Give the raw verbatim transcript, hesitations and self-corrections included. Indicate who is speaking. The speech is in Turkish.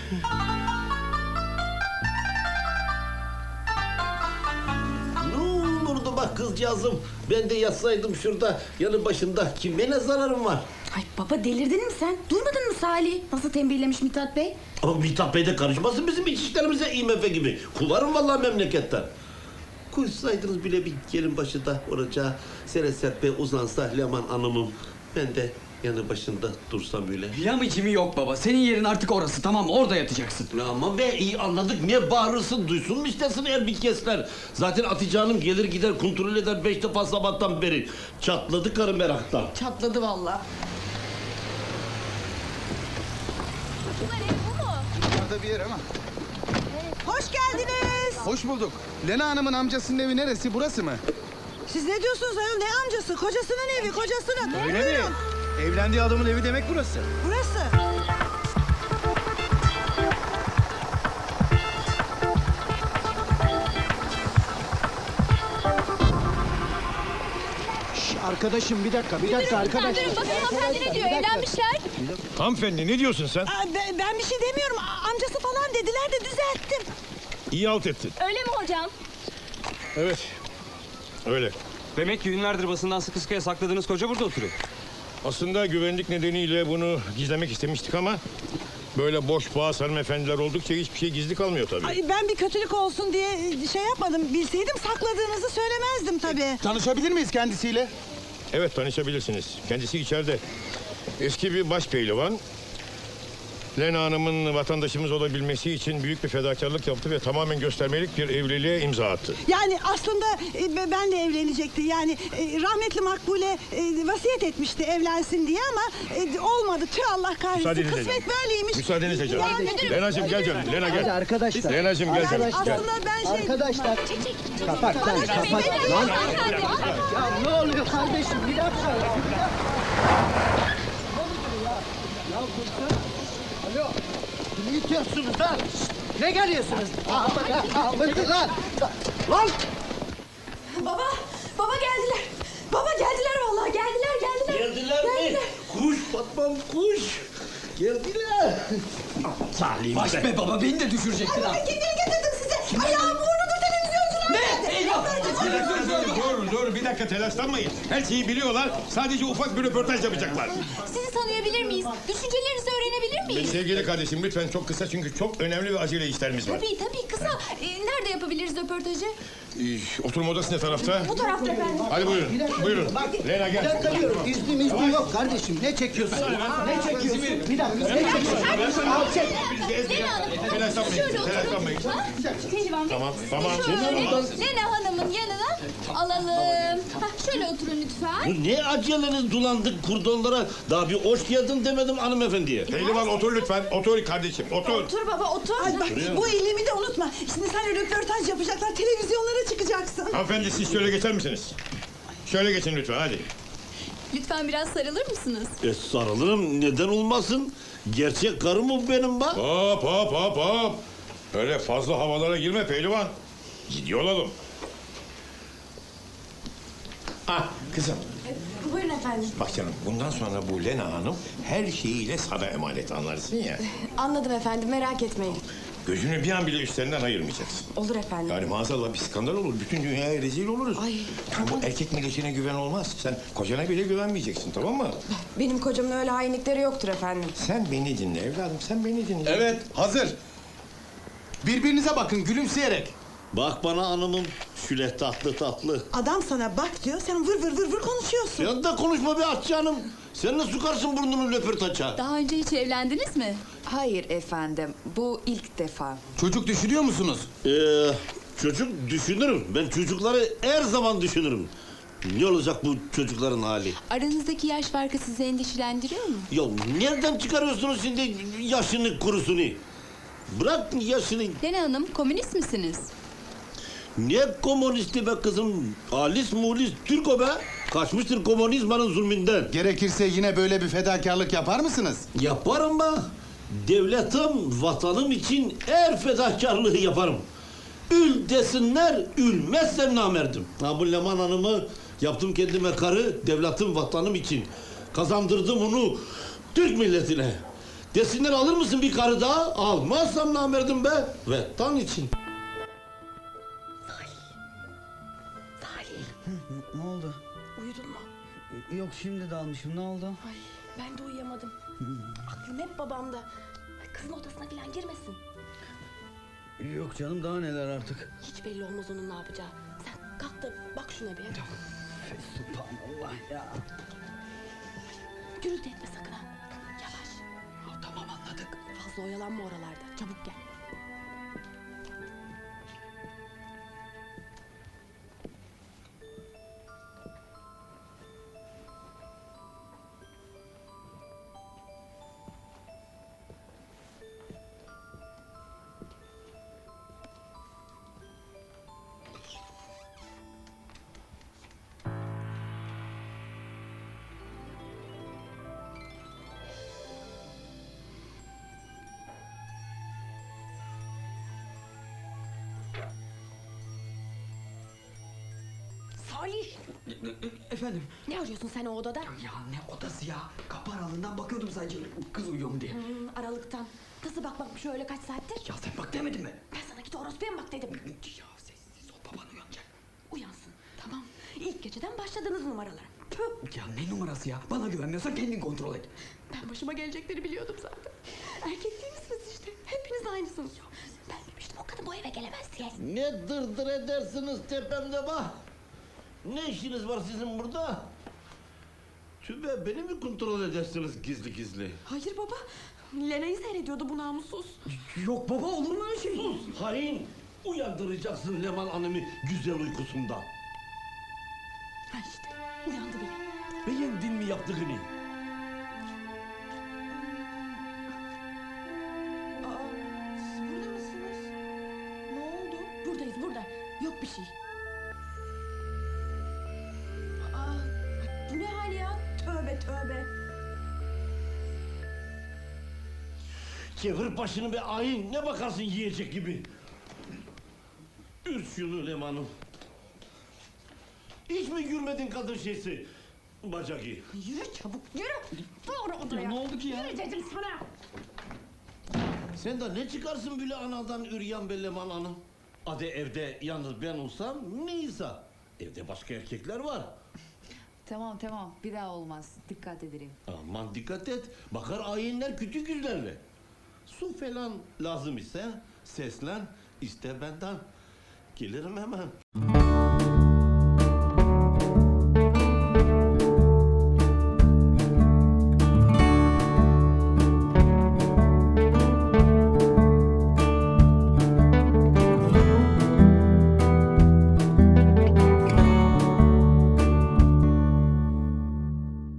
Speaker 1: Ne olurdu bak kızcağızım. Ben de yatsaydım şurada yanı başında. Kime ne zararım var?
Speaker 2: Ay baba delirdin mi sen? Duymadın mı Salih? Nasıl tembihlemiş Mithat Bey?
Speaker 1: Ama Mithat Bey de karışmasın bizim iç işlerimize I M F gibi. Kuvarım vallahi memleketten. Koysaydınız bile bir yerin başında oracağı Sere Serpe uzansa Leman Hanım'ım. Ben de yanı başında dursam öyle.
Speaker 3: Yamicimi yok baba. Senin yerin artık orası, tamam, orada yatacaksın.
Speaker 1: Ya ama be iyi anladık. Niye bağırırsın? Duysun mu istesin Erbikesler? Zaten Hatice Hanım gelir gider kontrol eder beş defa sabahtan beri. Çatladı karı meraktan.
Speaker 2: Çatladı vallahi.
Speaker 4: Yukarıda bir yer ama.
Speaker 5: Hoş geldiniz.
Speaker 4: Hoş bulduk. Lena Hanım'ın amcasının evi neresi? Burası mı?
Speaker 5: Siz ne diyorsunuz ayol? Ne amcası? Kocasının evi, kocasının.
Speaker 4: Öyle mi?
Speaker 5: Buyurun.
Speaker 4: Evlendiği adamın evi demek burası.
Speaker 5: Burası.
Speaker 6: Şş, arkadaşım bir dakika, bir dakika arkadaşım.
Speaker 7: Durun bakın hanımefendi ne diyor, evlenmişler.
Speaker 8: Hanımefendi ne diyorsun sen?
Speaker 5: Aa, ben, ben bir şey demiyorum. A- Amcası falan dediler de düzelttim.
Speaker 8: İyi alt ettin.
Speaker 7: Öyle mi hocam?
Speaker 8: Evet. Öyle.
Speaker 3: Demek ki günlerdir basından sıkı sıkıya sakladığınız koca burada oturuyor.
Speaker 8: Aslında güvenlik nedeniyle bunu gizlemek istemiştik ama... ...böyle boş boğaz hanımefendiler oldukça hiçbir şey gizli kalmıyor tabii.
Speaker 5: Ay, ben bir kötülük olsun diye şey yapmadım. Bilseydim sakladığınızı söylemezdim tabii.
Speaker 4: Tanışabilir miyiz kendisiyle?
Speaker 8: Evet tanışabilirsiniz. Kendisi içeride. Eski bir baş pehlivan. Lena Hanım'ın vatandaşımız olabilmesi için büyük bir fedakarlık yaptı ve tamamen göstermelik bir evliliğe imza attı.
Speaker 5: Yani aslında e, ben de evlenecekti. Yani e, rahmetli Makbule e, vasiyet etmişti evlensin diye ama e, olmadı. Tüh Allah kahretsin.
Speaker 8: Müsaadenizle
Speaker 5: Kısmet
Speaker 8: canım.
Speaker 5: böyleymiş.
Speaker 8: Müsaadenizle canım.
Speaker 5: Yani-
Speaker 8: Lena'cığım gel canım. Lena
Speaker 6: Hadi
Speaker 8: gel.
Speaker 6: arkadaşlar.
Speaker 8: Lena'cığım gel canım.
Speaker 5: Yani
Speaker 8: Gel.
Speaker 5: aslında ben şey...
Speaker 6: Arkadaşlar. Kapat lan, kapat. Lan. Ya ne oluyor kardeşim? Bir dakika. Ya, bir dakika. Ya kurtar. Alo. Ne itiyorsunuz lan? Şşt, ne geliyorsunuz? Ahmet lan. Lan.
Speaker 2: Baba, baba geldiler. Baba geldiler vallahi geldiler geldiler.
Speaker 1: Geldiler mi? Kuş Fatmam kuş. Geldiler. Salih
Speaker 3: Baş be baba, beni de düşürecektin ha.
Speaker 5: Kim getirdim size? Ayağım vurnudur televizyoncular.
Speaker 3: Ne? Eyvah!
Speaker 8: Dur dur bir dakika telaşlanmayın. Her şeyi biliyorlar. Sadece ufak bir röportaj yapacaklar.
Speaker 7: Sizi tanıyabilir miyiz? Düşüncelerinizi öğrenebilir miyiz?
Speaker 8: Sevgili kardeşim lütfen çok kısa çünkü çok önemli ve acele işlerimiz var.
Speaker 7: Tabii tabii kısa. Ee, nerede yapabiliriz röportajı?
Speaker 8: Ee, oturma odası ne tarafta?
Speaker 7: Bu tarafta efendim.
Speaker 8: Hadi buyurun. Buyurun. Lena
Speaker 6: Bir
Speaker 8: gel.
Speaker 6: dakika diyorum. İznim iznim yok kardeşim. Ne çekiyorsun? Ne çekiyorsun? Bir dakika. Ne çekiyorsun? Al çek.
Speaker 7: Lena Hanım.
Speaker 8: Telaşlanmayın.
Speaker 7: Şöyle oturun.
Speaker 8: Telaşlanmayın.
Speaker 7: Ha? Pehlivan Bey.
Speaker 8: Tamam, tamam.
Speaker 7: Şöyle Lena Hanım'ın yanına alalım. Hah, şöyle oturun lütfen.
Speaker 1: Bu ne aceleniz dolandık kurdonlara. Daha bir hoş geldin demedim hanımefendiye.
Speaker 8: Pehlivan otur lütfen. Otur kardeşim. Otur.
Speaker 2: Otur baba otur.
Speaker 5: Ay bak bu iyiliğimi de unutma. Şimdi sen röportaj yapacaklar, televizyonlara çıkacaksın.
Speaker 8: Hanımefendi siz şöyle geçer misiniz? Şöyle geçin lütfen hadi.
Speaker 7: Lütfen biraz sarılır mısınız?
Speaker 1: E sarılırım neden olmasın? Gerçek karım mı benim bak?
Speaker 8: Hop hop hop hop. Öyle fazla havalara girme pehlivan. Ciddi olalım. Ah kızım.
Speaker 2: Buyurun efendim.
Speaker 8: Bak canım bundan sonra bu Lena Hanım her şeyiyle sana emanet anlarsın ya.
Speaker 2: Anladım efendim merak etmeyin.
Speaker 8: Gözünü bir an bile üstlerinden ayırmayacaksın.
Speaker 2: Olur efendim.
Speaker 8: Yani maazallah bir skandal olur. Bütün dünyaya rezil oluruz.
Speaker 2: Ay,
Speaker 8: Yani bu erkek milletine güven olmaz. Sen kocana bile güvenmeyeceksin tamam mı?
Speaker 2: Benim kocamın öyle hainlikleri yoktur efendim.
Speaker 8: Sen beni dinle evladım sen beni dinle.
Speaker 4: Evet, hazır. Birbirinize bakın gülümseyerek.
Speaker 1: Bak bana hanımım şöyle tatlı tatlı.
Speaker 5: Adam sana bak diyor, sen vır vır vır vır konuşuyorsun.
Speaker 1: Sen de konuşma be aç canım. Sen ne sokarsın burnunu röportaja?
Speaker 7: Daha önce hiç evlendiniz mi?
Speaker 2: Hayır efendim bu ilk defa.
Speaker 4: Çocuk düşünüyor musunuz?
Speaker 1: Ee, çocuk düşünürüm. Ben çocukları her zaman düşünürüm. Ne olacak bu çocukların hali?
Speaker 7: Aranızdaki yaş farkı sizi endişelendiriyor mu?
Speaker 1: Ya nereden çıkarıyorsunuz şimdi yaşını kurusunu? Bırak yaşını.
Speaker 7: Lena Hanım, komünist misiniz?
Speaker 1: Ne komünisti be kızım? Alis mulis Türk o be. Kaçmıştır komünizmanın zulmünden.
Speaker 4: Gerekirse yine böyle bir fedakarlık yapar mısınız?
Speaker 1: Yaparım be. Devletim, vatanım için her fedakarlığı yaparım. Ül desinler, ülmezsem namerdim. Ha bu Leman Hanım'ı yaptım kendime karı, devletim, vatanım için. Kazandırdım onu Türk milletine. Desinler alır mısın bir karı daha? Almazsam namerdim be. Ve tan için.
Speaker 3: Ne oldu?
Speaker 2: Uyudun mu?
Speaker 3: Yok şimdi dalmışım. Ne oldu?
Speaker 2: Ay ben de uyuyamadım. Aklım hep babamda. Ay, kızın odasına falan girmesin.
Speaker 3: Yok canım daha neler artık.
Speaker 2: Hiç belli olmaz onun ne yapacağı. Sen kalk da bak şuna bir.
Speaker 3: Subhanallah ya.
Speaker 2: Gürültü etme sakın ha. Yavaş.
Speaker 3: Ya tamam anladık.
Speaker 2: Fazla oyalanma oralarda. Çabuk gel. Salih!
Speaker 3: Efendim?
Speaker 2: Ne arıyorsun sen o odada?
Speaker 3: Ya ne odası ya? Kapı aralığından bakıyordum sadece kız uyuyor mu diye.
Speaker 2: Hmm, aralıktan. Nasıl bakmakmış öyle kaç saattir?
Speaker 3: Ya sen bak demedin mi?
Speaker 2: Ben sana git orospuya mı bak dedim.
Speaker 3: Ya sessiz ol baban uyanacak.
Speaker 2: Uyansın. Tamam. İlk geceden başladınız numaralara. Tüh!
Speaker 3: Ya ne numarası ya? Bana güvenmiyorsan kendin kontrol et.
Speaker 2: Ben başıma gelecekleri biliyordum zaten. Erkek değil misiniz işte? Hepiniz aynısınız. Ben demiştim o kadın bu eve gelemez diye.
Speaker 1: Ne dırdır edersiniz tepemde bak. Ne işiniz var sizin burada? Tübe beni mi kontrol edersiniz gizli gizli?
Speaker 2: Hayır baba. Lena'yı seyrediyordu bu namussuz.
Speaker 3: Yok baba olur mu öyle şey?
Speaker 1: Sus hain! Uyandıracaksın Leman Hanım'ı güzel uykusunda.
Speaker 2: Ha işte uyandı bile.
Speaker 1: Beğendin mi yaptığını?
Speaker 2: Aa, siz burada mısınız? Ne oldu? Buradayız burada. Yok bir şey. Aa, bu ne hal ya? Tövbe tövbe.
Speaker 1: Çevir başını be hain! Ne bakarsın yiyecek gibi? Ür şunu Leman'ım. Hiç mi gülmedin kadın şeysi? Bacaki.
Speaker 2: Yürü çabuk yürü. Doğru odaya.
Speaker 3: Ya ne oldu ki ya?
Speaker 2: Yürü dedim sana.
Speaker 1: Sen de ne çıkarsın böyle anadan üryan be Leman Hanım? Hadi evde yalnız ben olsam neyse. Evde başka erkekler var.
Speaker 9: Tamam tamam bir daha olmaz. Dikkat ederim.
Speaker 1: Aman dikkat et. Bakar ayinler küçük yüzlerle. Su falan lazım ise seslen iste benden. Gelirim hemen.